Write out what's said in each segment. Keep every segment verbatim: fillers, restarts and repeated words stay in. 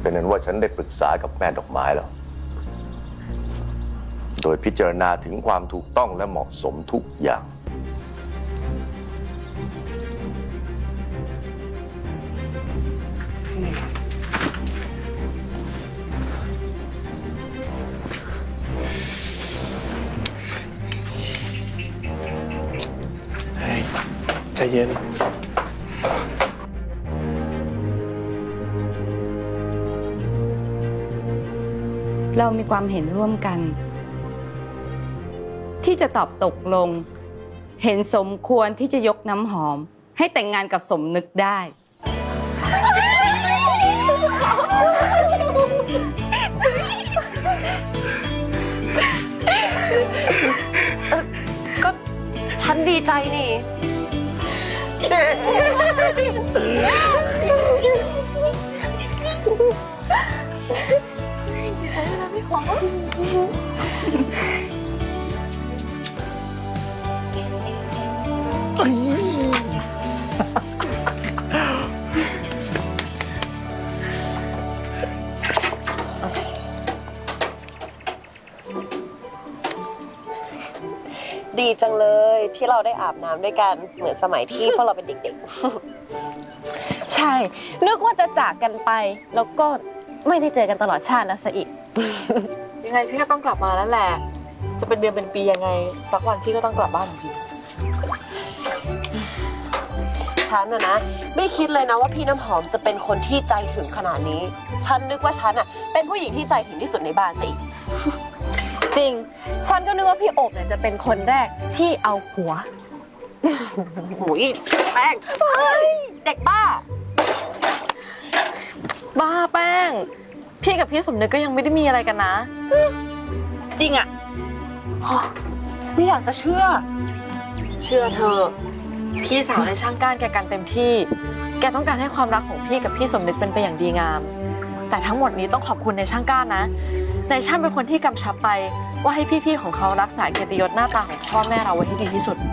เป็นนั้นว่าฉันได้ปรึกษากับแม่ดอกไม้แล้วโดยพิจารณาถึงความถูกต้องและเหมาะสมทุกอย่างใจเย็นเรามีความเห็นร่วมกัน ที่จะตอบตกลง เห็นสมควรที่จะยกน้ำหอม ให้แต่งงานกับสมนึกได้ก็ฉันดีใจนี่ดีใจนะพี่หอมดีจังเลยที่เราได้อาบน้ำด้วยกันเหมือนสมัยที่พวกเราเป็นเด็กๆใช่นึกว่าจะจากกันไปแล้วก็ไม่ได้เจอกันตลอดชาติแล้วซะอีกยังไงพี่ก็ต้องกลับมาแล้วแหละจะเป็นเดือนเป็นปียังไงสักวันพี่ก็ต้องกลับบ้านจริงฉันอะนะไม่คิดเลยนะว่าพี่น้ำหอมจะเป็นคนที่ใจถึงขนาดนี้ฉันนึกว่าฉันอะเป็นผู้หญิงที่ใจถึงที่สุดในบ้านซะอีกจริงฉันก็นึกว่าพี่โอบเนี่ยจะเป็นคนแรกที่เอาหัวหูยแป้งเด็กบ้าบ้าแป้งพี่กับพี่สมนึกก็ยังไม่ได้มีอะไรกันนะจริงอะไม่อยากจะเชื่อเชื่อเธอพี่สาวในช่างก้านแกกันเต็มที่แกต้องการให้ความรักของพี่กับพี่สมนึกเป็นไปอย่างดีงามแต่ทั้งหมดนี้ต้องขอบคุณในช่างก้านนะในช่างเป็นคนที่กำชับไปว่าให้พี่ๆของเขารักษาเกียรติยศหน้าตาของพ่อแม่เราไว้ให้ดีที่สุด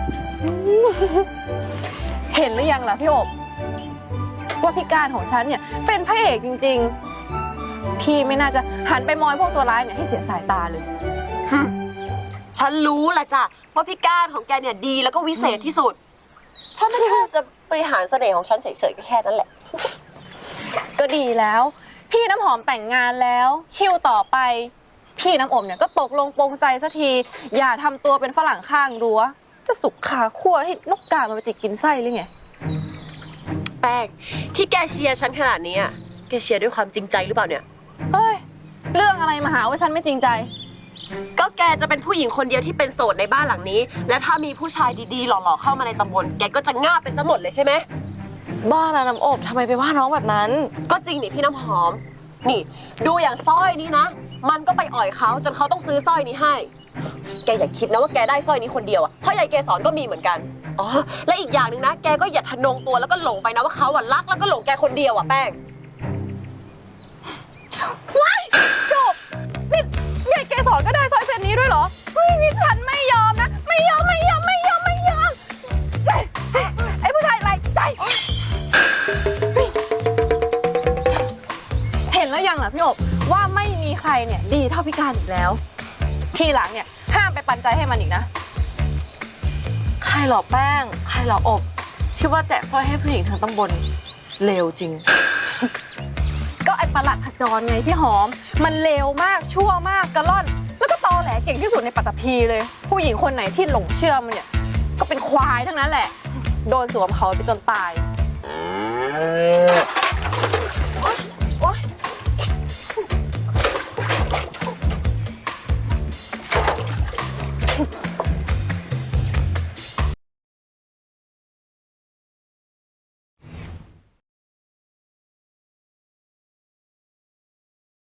เห็นหรือยังล่ะพี่โอบว่าพี่การของฉันเนี่ยเป็นพระเอกจริงๆพี่ไม่น่าจะหันไปมองพวกตัวร้ายเนี่ยให้เสียสายตาเลยฉันรู้แหละจ้ะว่าพี่ก้านของแกเนี่ยดีแล้วก็วิเศษที่สุดฉันไม่ได้จะบริหารเสน่ห์ของฉันเฉยๆก็แค่นั้นแหละก็ดีแล้วพี่น้ำหอมแต่งงานแล้วคิวต่อไปพี่น้ำอมเนี่ยก็ตกลงปรงใจสักทีอย่าทำตัวเป็นฝรั่งข้างรั้วจะสุกขาขั้วให้นกกามันไปจิกกินไส้หรือไงแป้งที่แกเชียร์ฉันขนาดนี้แกเชียร์ด้วยความจริงใจหรือเปล่าเนี่ยเฮ้ยเรื่องอะไรมาหาว่าฉันไม่จริงใจก็แกจะเป็นผู้หญิงคนเดียวที่เป็นโสดในบ้านหลังนี้และถ้ามีผู้ชายดีๆหล่อๆเข้ามาในตำบลแกก็จะง่าไปซะหมดเลยใช่ไหมบ้านะน้ำอบทำไมไปว่าน้องแบบนั้นก็จริงนี่พี่น้ำหอมนี่ดูอย่างสร้อยนี้นะมันก็ไปอ่อยเขาจนเขาต้องซื้อสร้อยนี้ให้แกอย่าคิดนะว่าแกได้สร้อยนี้คนเดียวอ่ะเพราะยายเกสรก็มีเหมือนกันอ๋อและอีกอย่างหนึ่งนะแกก็อย่าทะนงตัวแล้วก็หลงไปนะว่าเขาอ่ะรักแล้วก็หลงแกคนเดียวอ่ะแป้งว้ายจบนี่ยายเกสรก็ได้สร้อยเส้นนี้ด้วยเหรอเฮ้ยนี่ฉันไม่ยอมนะไม่ยอมไม่ยอมไม่ยอมไม่ยอมไอ้ผู้ชายไรใจเห็นแล้วยังล่ะพี่อบว่าไม่มีใครเนี่ยดีเท่าพี่การอีกแล้วทีหลังเนี่ยห้ามไปปันใจให้มันอีกนะใครหล่อแป้งใครหล่ออบที่ว่าแจกสร้อยให้ผู้หญิงทั้งตำบลเลวจริงก็ไอ้ประหลัดขจรไงพี่หอมมันเลวมากชั่วมากกระล่อนแล้วก็ตอแหลเก่งที่สุดในปัตตภีเลยผู้หญิงคนไหนที่หลงเชื่อมันเนี่ยก็เป็นควายทั้งนั้นแหละโดนสวมเขาไปจนตาย